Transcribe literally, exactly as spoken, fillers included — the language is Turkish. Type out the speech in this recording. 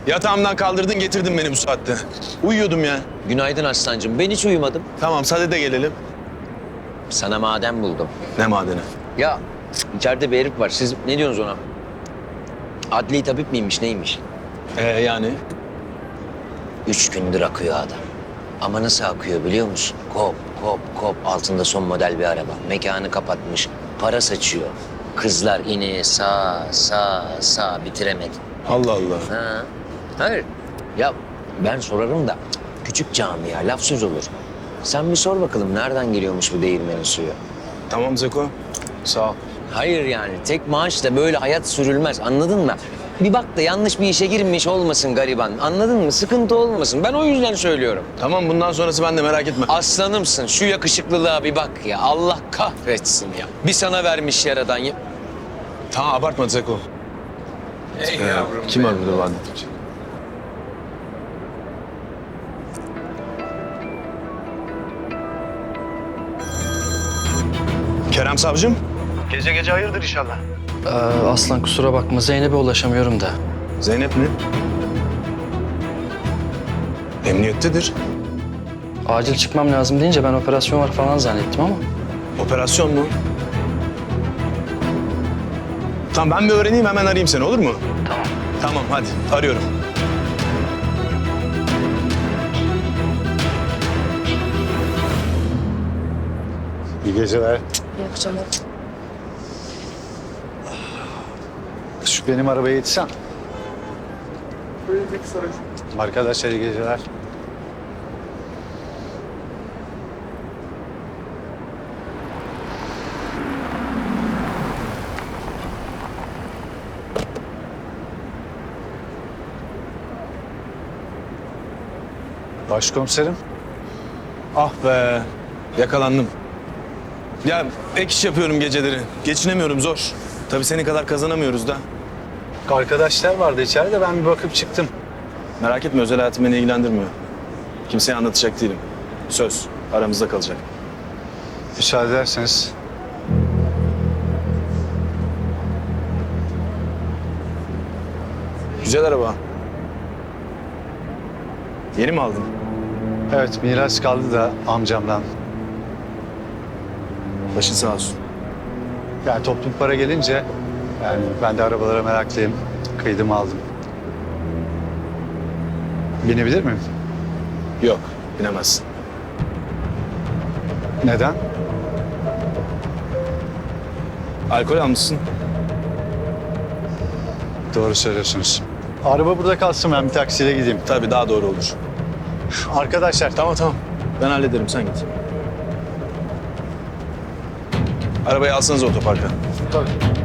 Yatağımdan kaldırdın getirdin beni bu saatte. Uyuyordum ya. Günaydın aslancığım. Ben hiç uyumadım. Tamam sade de gelelim. Sana maden buldum. Ne madeni? Ya içeride bir herif var. Siz ne diyorsunuz ona? Adli tabip miymiş neymiş? Ee yani? Üç gündür akıyor adam. Ama nasıl akıyor biliyor musun? Kop kop kop altında son model bir araba. Mekanı kapatmış. Para saçıyor. Kızlar ineğe sağ sağ sağ bitiremedi. Allah Allah. Ha. Hayır. Ya ben sorarım da küçük camia laf söz olur. Sen bir sor bakalım nereden geliyormuş bu değirmenin suyu? Tamam Zeko. Sağ ol. Hayır yani tek maaşla böyle hayat sürülmez anladın mı? Bir bak da yanlış bir işe girmiş olmasın gariban anladın mı? Sıkıntı olmasın ben o yüzden söylüyorum. Tamam bundan sonrası ben de merak etme. Aslanımsın şu yakışıklılığa bir bak ya Allah kahretsin ya. Bir sana vermiş yaradan ya. Tamam abartma Zeko. Ey Ee, yavrum kim be. var burada Vadi? Kerem Savcım. Gece gece hayırdır inşallah. Ee, Aslan kusura bakma Zeynep'e ulaşamıyorum da. Zeynep mi? Emniyettedir. Acil çıkmam lazım deyince ben operasyon var falan zannettim ama. Operasyon mu? Tamam ben bir öğreneyim hemen arayayım seni olur mu? Tamam. Tamam hadi arıyorum. İyi geceler. İyi akşamlar. Şu benim arabaya yetişsen. Arkadaşlar iyi geceler. Başkomiserim. Ah be yakalandım. Ya ek iş yapıyorum geceleri. Geçinemiyorum zor. Tabii senin kadar kazanamıyoruz da. Arkadaşlar vardı içeride ben bir bakıp çıktım. Merak etme özel hayatım beni ilgilendirmiyor. Kimseye anlatacak değilim. Söz aramızda kalacak. Müsaade ederseniz. Güzel araba. Yeni mi aldın? Evet miras kaldı da amcamdan. Başın sağ olsun. Yani toplum para gelince yani ben de arabalara meraklıyım. Kıydım aldım. Binebilir miyim? Yok binemezsin. Neden? Alkol almışsın. Doğru söylüyorsunuz. Araba burada kalsın ben bir taksiyle gideyim. Tabii daha doğru olur. Arkadaşlar Tamam tamam. Ben hallederim sen git. Arabayı alsanız otoparka. Tabii.